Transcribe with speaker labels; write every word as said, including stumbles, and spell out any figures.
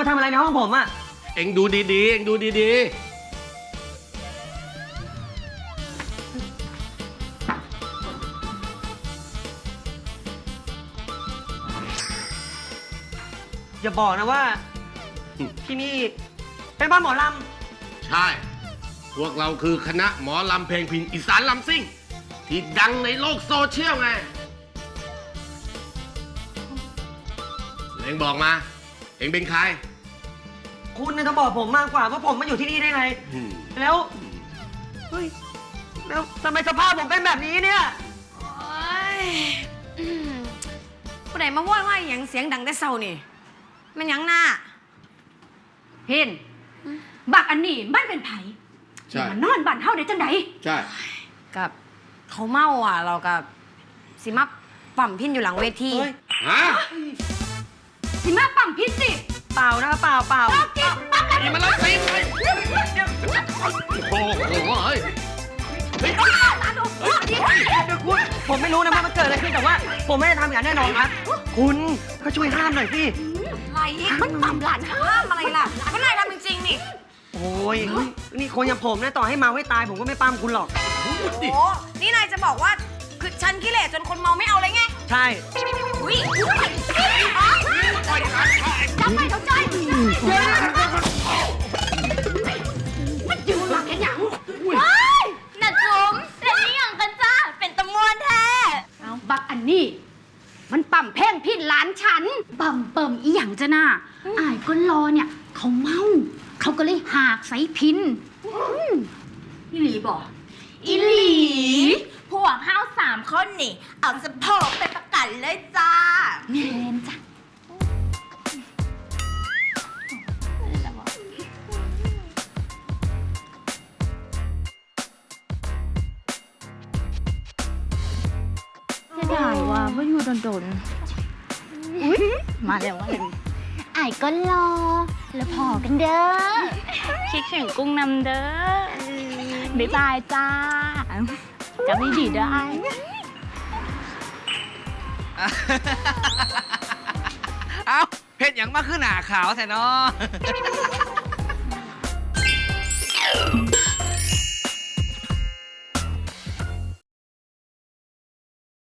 Speaker 1: มาทำอะไรในห้องผมอะ
Speaker 2: เอ็งดูดีๆ เอ็งดูดี
Speaker 1: ๆอย่าบอกนะว่าที่นี่เป็นบ้านหมอล
Speaker 2: ำ ใช่ พวกเราคือคณะหมอลำเพลงพินอีสานลำซิ่ง ที่ดังในโลกโซเชียลไง เอ็งบอกมา เอ็งเป็นใคร
Speaker 1: ำคุณน่ะจะบอกผมมากกว่าว่าผมมาอยู่ที่นี่ได้ไง แล้วเฮ้ยแล้วทำไมสภาพผมเป็นแบบนี้เนี่ย
Speaker 3: โอ๊ยอืมผู้ใดมาโวยวายอย่างเสียงดังแต่เช้านี่มันหยังหน้า
Speaker 4: เห็นบักอันนี้มันเป็นไผ
Speaker 2: ใช่
Speaker 4: มันนอนบ้านเฮาได้จังได
Speaker 2: ใช่
Speaker 3: กับเขาเมาอ่ะ เรากับสิมาปั่มพินอยู่หลังเวที
Speaker 1: เฮ้ย
Speaker 2: ฮะ
Speaker 4: สิมาปั๊มพิษสิ
Speaker 1: เปล่านะเปล่าเปล่า
Speaker 4: ปั๊มพิษปั๊ม
Speaker 2: นี่มันไล่ตีไปโอ้โหเฮ้ย
Speaker 1: เดี๋ยวคุณผมไม่รู้นะว่ามันเกิดอะไรขึ้นแต่ว่า ผมไม่ได้ทำอย่างแน่นอนครับ คุณก็ช่วยห้ามหน่อยสิ
Speaker 3: อะไรอีกมันปั่มหลานห้ามอะไรล่ะก็นายทำจริงๆนี่
Speaker 1: โอ้ยนี่คนอย่างผมนะต่อให้เมาให้ตายผมก็ไม่ปั้มคุณหรอก
Speaker 3: โอ้นี่นายจะบอกว่าคือฉันขี้เหร่จนคนเมาไม่เอาเลยไง
Speaker 1: ใช่
Speaker 3: อุ้ยจับไปเขาใจมันยืนหลักแค่หยัง
Speaker 5: น่ะจุ๋มแล้วนี่อย่างกันจ้าเป็นตะมวนแท้
Speaker 4: เอาบักอันนี้มันปั๊มแพงพิษหลานฉันปั๊มเปิ่มอีหยังจะน่าอายก็รอเนี่ย เขาเมาเขาก็เลยหากใส่พินนี่หลีบอก
Speaker 5: อีหลี พวกห้าวสามคนนี่ เอาสะโพกไปประกันเลยจ้า
Speaker 4: แม่นจ้ะ
Speaker 5: จะได้ว่าว่าอยู่โดนๆอุ๊ยมาแล้วว่าไอ้ก็รอ แล้วพอกันเด้อ คิดถึงกุ้งนำเด้อ บ๊ายบายจ้าจะไม่ดีได้
Speaker 6: เอ้าเห็ดอย่างมาขึ้นหนาขาวแท้เนาะ